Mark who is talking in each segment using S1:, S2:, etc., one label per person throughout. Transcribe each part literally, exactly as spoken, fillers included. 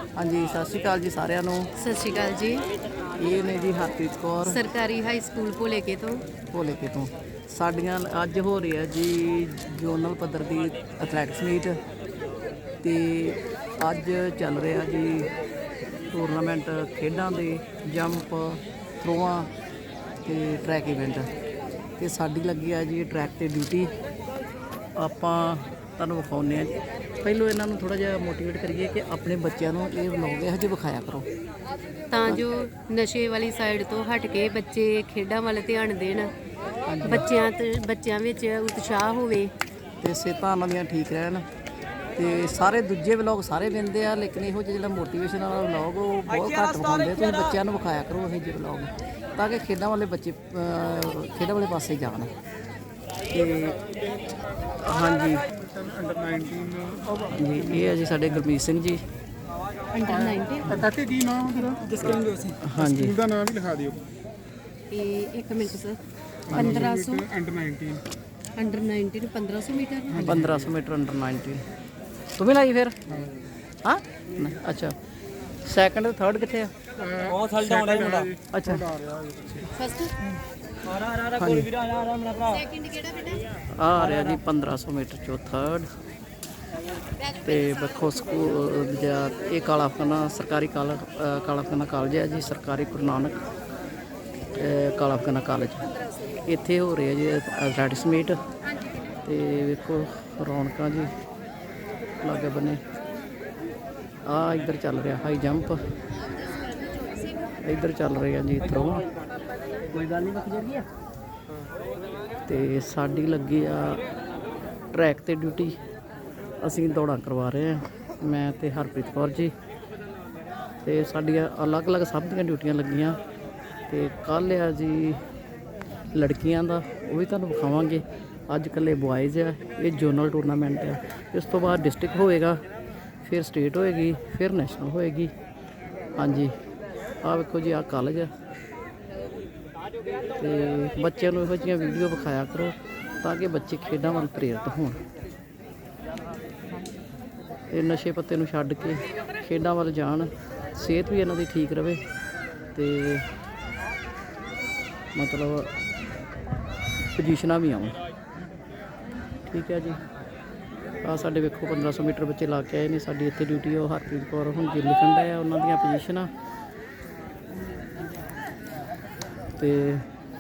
S1: हाँ जी सत श्री अकाल जी सारिਆਂ ਨੂੰ।
S2: ਸਤਿ ਸ਼੍ਰੀ ਅਕਾਲ ਜੀ।
S1: ਇਹ ਨੇ ਜੀ ਹਰਪ੍ਰੀਤ ਕੌਰ
S2: ਸਰਕਾਰੀ ਹਾਈ ਸਕੂਲ ਭੋਲੇਕੇ ਤੋਂ।
S1: ਭੋਲੇਕੇ ਤੋਂ। ਸਾਡੀਆਂ ਅੱਜ ਹੋ ਰਹੀ ਹੈ ਜੀ ਜੋਨਲ ਪੱਧਰ ਦੀ ਐਥਲੈਟਿਕਸ ਮੀਟ ਤੇ ਅੱਜ ਚੱਲ ਰਿਹਾ ਜੀ ਟੂਰਨਾਮੈਂਟ ਖੇਡਾਂ ਦੇ ਜੰਪ ਥਰੋਆਂ ਤੇ ਟਰੈਕ ਇਵੈਂਟ ਤੇ ਸਾਡੀ ਲੱਗੀ ਆ ਜੀ ਟਰੈਕ ਤੇ ਡਿਊਟੀ। ਆਪਾਂ ਤੁਹਾਨੂੰ ਵਿਖਾਉਂਦੇ ਹਾਂ। ਪਹਿਲੋਂ ਇਹਨਾਂ ਨੂੰ ਥੋੜ੍ਹਾ ਜਿਹਾ ਮੋਟੀਵੇਟ ਕਰੀਏ ਕਿ ਆਪਣੇ ਬੱਚਿਆਂ ਨੂੰ ਇਹ ਵਲੋਗ ਇਹੋ ਜਿਹੇ ਵਿਖਾਇਆ ਕਰੋ
S2: ਤਾਂ ਜੋ ਨਸ਼ੇ ਵਾਲੀ ਸਾਈਡ ਤੋਂ ਹਟ ਕੇ ਬੱਚੇ ਖੇਡਾਂ ਵੱਲ ਧਿਆਨ ਦੇਣ, ਬੱਚਿਆਂ ਤੇ ਬੱਚਿਆਂ ਵਿੱਚ ਉਤਸ਼ਾਹ ਹੋਵੇ
S1: ਤੇ ਸਿਹਤਾਂ ਉਹਨਾਂ ਦੀਆਂ ਠੀਕ ਰਹਿਣ। ਤੇ ਸਾਰੇ ਦੂਜੇ ਵਲੋਗ ਸਾਰੇ ਵਿੰਦੇ ਆ, ਲੇਕਿਨ ਇਹੋ ਜਿਹਾ ਜਿਹੜਾ ਮੋਟੀਵੇਸ਼ਨ ਵਾਲਾ ਵਲੋਗ ਉਹ ਬਹੁਤ ਘੱਟ ਵਿਖਾਉਂਦੇ। ਤੁਸੀਂ ਬੱਚਿਆਂ ਨੂੰ ਵਿਖਾਇਆ ਕਰੋ ਇਹੋ ਜਿਹੇ ਵਲੋਗ ਤਾਂ ਕਿ ਖੇਡਾਂ ਵਾਲੇ ਬੱਚੇ ਖੇਡਾਂ ਵਾਲੇ ਪਾਸੇ ਜਾਣ। ਤੇ ਹਾਂਜੀ ਜੀ ਇਹ ਹੈ ਜੀ ਸਾਡੇ ਗੁਰਮੀਤ ਸਿੰਘ ਜੀ
S2: ਅੰਡਰ ਨਾਈਨਟੀਨ।
S3: ਕਾਕੇ ਕੀ ਨਾਮ ਤੇਰਾ? ਜਸਕਿਰਨ ਜੋਸ਼ੀ।
S1: ਹਾਂਜੀ
S3: ਸਕੂਲ ਦਾ ਨਾਮ ਵੀ ਲਿਖਾ ਦਿਓ।
S2: ਇਹ ਇੱਕ ਮਿੰਟ ਸਰ। ਪੰਦਰਾਂ ਸੌ
S3: ਅੰਡਰ ਨਾਈਨਟੀਨ।
S2: ਅੰਡਰ ਨਾਈਨਟੀਨ ਪੰਦਰਾਂ ਸੌ ਮੀਟਰ।
S1: ਪੰਦਰਾਂ ਸੌ ਮੀਟਰ ਅੰਡਰ ਨਾਈਨਟੀਨ। ਤੂੰ ਵੀ ਲਾਈ ਫਿਰ? ਹਾਂ ਨਹੀਂ, ਅੱਛਾ ਸੈਕੰਡ ਤੇ ਥਰਡ ਕਿੱਥੇ ਆ?
S3: ਉਹ ਥਲ ਡਾਉਣਾ ਮੁੰਡਾ।
S1: ਅੱਛਾ
S2: ਫਸਟ ਸੈਕਿੰਡ ਕਿਹੜਾ ਬੇਟਾ?
S1: ਆ ਰਿਹਾ ਜੀ ਪੰਦਰਾਂ ਸੌ ਮੀਟਰ ਚੋਂ ਥਰਡ। ਤੇ ਵੇਖੋ ਸਕੂਲ ਜਾਂ ਇਹ ਕਾਲਾ ਫਕਾਨਾ ਸਰਕਾਰੀ ਕਾਲਾ ਕਾਲਾ ਫਕਾਨਾ ਕਾਲਜ ਹੈ ਜੀ, ਸਰਕਾਰੀ ਗੁਰੂ ਨਾਨਕ ਕਾਲਾ ਫਕਾਨਾ ਕਾਲਜ। ਇੱਥੇ ਹੋ ਰਿਹਾ ਜੀ ਐਥਲੈਟਿਕਸ ਮੀਟ ਤੇ ਵੇਖੋ ਰੌਣਕਾਂ ਜੀ ਲਾਗੇ ਬੰਨੇ। ਆ ਇੱਧਰ ਚੱਲ ਰਿਹਾ ਹਾਈ ਜੰਪ, ਇੱਧਰ ਚੱਲ ਰਿਹਾ ਜੀ ਥਰੋਆਂ। ਕੋਈ ਗੱਲ ਨਹੀਂ ਲੱਗੀ ਆ। ਤੇ ਸਾਡੀ ਲੱਗੀ ਆ ਟਰੈਕ ਤੇ ਡਿਊਟੀ। ਅਸੀਂ ਦੌੜਾਂ ਕਰਵਾ ਰਹੇ ਹਾਂ ਮੈਂ ਤੇ ਹਰਪ੍ਰੀਤ ਕੌਰ ਜੀ। ਤੇ ਸਾਡੀਆਂ ਅਲੱਗ-ਅਲੱਗ ਸਭ ਦੀਆਂ ਡਿਊਟੀਆਂ ਲੱਗੀਆਂ। ਤੇ ਕੱਲ੍ਹ ਆ ਜੀ ਲੜਕੀਆਂ ਦਾ, ਉਹ ਵੀ ਤੁਹਾਨੂੰ ਵਿਖਾਵਾਂਗੇ। ਅੱਜ ਇਕੱਲੇ ਬੁਆਇਜ਼ ਆ। ਇਹ ਜੋਨਲ ਟੂਰਨਾਮੈਂਟ ਆ। ਇਸ ਤੋਂ ਬਾਅਦ ਡਿਸਟ੍ਰਿਕਟ ਹੋਏਗਾ, ਫਿਰ ਸਟੇਟ ਹੋਏਗੀ, ਫਿਰ ਨੈਸ਼ਨਲ ਹੋਏਗੀ। ਹਾਂਜੀ ਆਹ ਵੇਖੋ ਜੀ ਆਹ ਕਾਲਜ ਆ। ਤੇ ਬੱਚਿਆਂ ਨੂੰ ਇਹੋ ਜਿਹੀਆਂ ਵੀਡੀਓ ਵਿਖਾਇਆ ਕਰੋ ਤਾਂ ਕਿ ਬੱਚੇ ਖੇਡਾਂ ਵੱਲ ਪ੍ਰੇਰਿਤ ਹੋਣ। ਇਹ ਨਸ਼ੇ ਪੱਤੇ ਨੂੰ ਛੱਡ ਕੇ ਖੇਡਾਂ ਵੱਲ ਜਾਣ, ਸਿਹਤ ਵੀ ਇਹਨਾਂ ਦੀ ਠੀਕ ਰਵੇ ਤੇ ਮਤਲਬ ਪੋਜੀਸ਼ਨਾਂ ਵੀ ਆਉਣ। ਠੀਕ ਹੈ ਜੀ। ਆ ਸਾਡੇ ਵੇਖੋ ਪੰਦਰਾਂ ਸੌ ਮੀਟਰ ਬੱਚੇ ਲਾ ਕੇ ਆਏ ਨੇ। ਸਾਡੀ ਇੱਥੇ ਡਿਊਟੀ ਉਹ ਹਰਪ੍ਰੀਤ ਕੌਰ ਹੁਣ ਜੀ ਲਿਖਣ ਡਿਆ ਉਹਨਾਂ ਦੀਆਂ ਪੋਜੀਸ਼ਨਾਂ। ਤੇ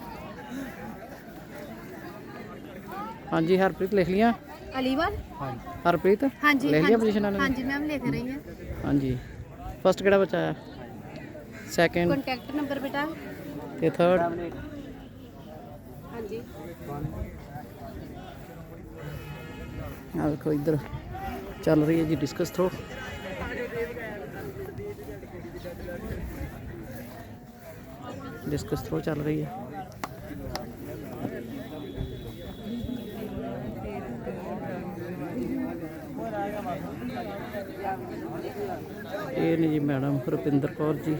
S1: ਹਾਂਜੀ ਹਰਪ੍ਰੀਤ ਲਿਖ ਲੀਆਂ?
S2: ਅਲੀਵਾਲ
S1: ਹਰਪ੍ਰੀਤ
S2: ਹਾਂਜੀ
S1: ਲਿਖ ਲੀਆਂ ਪੋਜੀਸ਼ਨਾਂ ਨੇ?
S2: ਹਾਂਜੀ ਮੈਮ ਲਿਖ ਰਹੀ ਹਾਂ।
S1: ਹਾਂਜੀ ਫਸਟ ਕਿਹੜਾ ਬੱਚਾ ਆਇਆ? ਸੈਕਿੰਡ
S2: ਕੰਟੈਕਟ ਨੰਬਰ ਬੇਟਾ
S1: ਤੇ ਥਰਡ?
S2: ਹਾਂਜੀ
S1: ਆ ਵੇਖੋ ਇੱਧਰ ਚੱਲ ਰਹੀ ਹੈ ਜੀ ਡਿਸਕਸ ਥਰੋ। ਡਿਸਕਸ ਥਰੋ ਚੱਲ ਰਹੀ ਹੈ। ਇਹ ਨੇ ਜੀ ਮੈਡਮ ਰੁਪਿੰਦਰ ਕੌਰ ਜੀ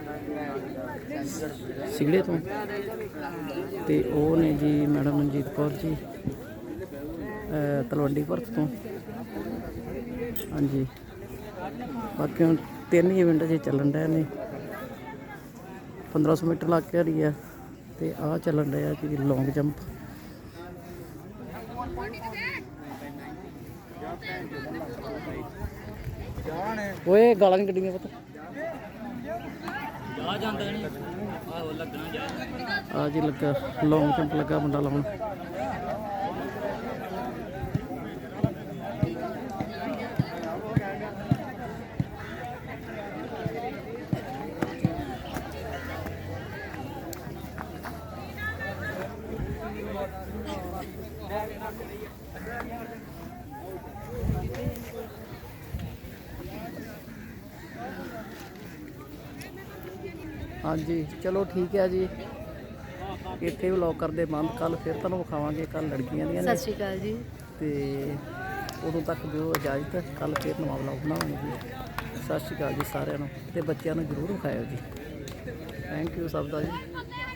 S1: ਸਿਗੜੇ ਤੋਂ। ਤੇ ਉਹ ਨੇ ਜੀ ਮੈਡਮ ਮਨਜੀਤ ਕੌਰ ਜੀ ਤਲਵੰਡੀ ਭਰਤ ਤੋਂ। ਹਾਂਜੀ ਬਾਕੀ ਹੁਣ ਤਿੰਨ ਇਵੈਂਟ ਜੇ ਚੱਲਣ ਡਏ ਨੇ। ਪੰਦਰਾਂ ਸੌ ਮੀਟਰ ਲੱਗ ਕੇ ਰਹੀ ਆ ਤੇ ਆਹ ਚੱਲਣ ਡਿਆ ਜੀ ਲੌਂਗ ਜੰਪ। ਓਏ ਗਾਲਾਂ ਨਹੀਂ ਕੱਢੀਆਂ ਪੁੱਤ। ਆ ਜੀ ਲੱਗਾ ਲੌਂਗ ਜੰਪ ਲੱਗਾ ਮੁੰਡਾ ਲਾਉਣ। ਹਾਂਜੀ ਚਲੋ ਠੀਕ ਹੈ ਜੀ। ਇੱਥੇ ਵਲੋਗ ਕਰਦੇ ਬੰਦ। ਕੱਲ੍ਹ ਫਿਰ ਤੁਹਾਨੂੰ ਵਿਖਾਵਾਂਗੇ। ਕੱਲ੍ਹ ਲੜਕੀਆਂ ਦੀਆਂ ਨੇ।
S2: ਸਤਿ ਸ਼੍ਰੀ ਅਕਾਲ ਜੀ।
S1: ਤੇ ਉਦੋਂ ਤੱਕ ਦਿਓ ਇਜਾਜ਼ਤ। ਕੱਲ੍ਹ ਫਿਰ ਨਵਾਂ ਵਲੋਗ ਬਣਾਵਾਂਗੇ ਜੀ। ਸਤਿ ਸ਼੍ਰੀ ਅਕਾਲ ਜੀ ਸਾਰਿਆਂ ਨੂੰ। ਤੇ ਬੱਚਿਆਂ ਨੂੰ ਜ਼ਰੂਰ ਵਿਖਾਇਓ ਜੀ। ਥੈਂਕ ਯੂ ਸਭ ਦਾ ਜੀ।